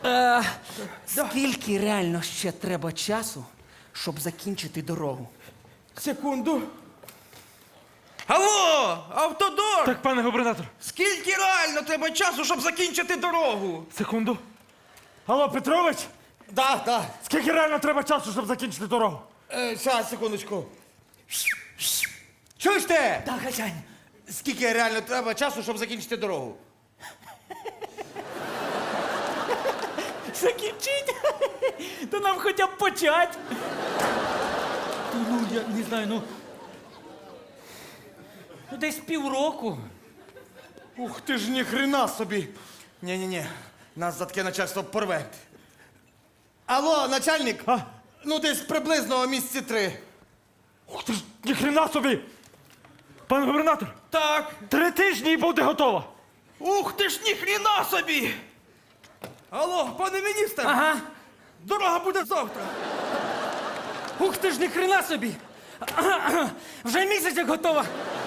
Скільки реально ще треба часу, щоб закінчити дорогу? Секунду. Алло, автодор! Так, пане губернатор, Скільки реально треба часу, щоб закінчити дорогу? секунду. Алло, Петрович, Да. скільки реально треба часу, щоб закінчити дорогу? Зараз, секундочку. Чуєш ти? Так, хазяїн. Скільки реально треба часу, щоб закінчити дорогу? Закінчить? То нам хоча б почать. Ну, я не знаю, ну десь півроку. Ух ти ж ніхрена собі. Ні, нас за таке начальство порве. Алло, начальник. Ну, десь приблизно місяці 3. Ух ти ж, ніхрена собі! Пане губернатор, Так. 3 тижні і буде готова. Ух ти ж ніхрена собі! Алло, пане міністр! Ага. Дорога буде завтра! Ух ти ж, ні хрена собі. Вже місяць як готова.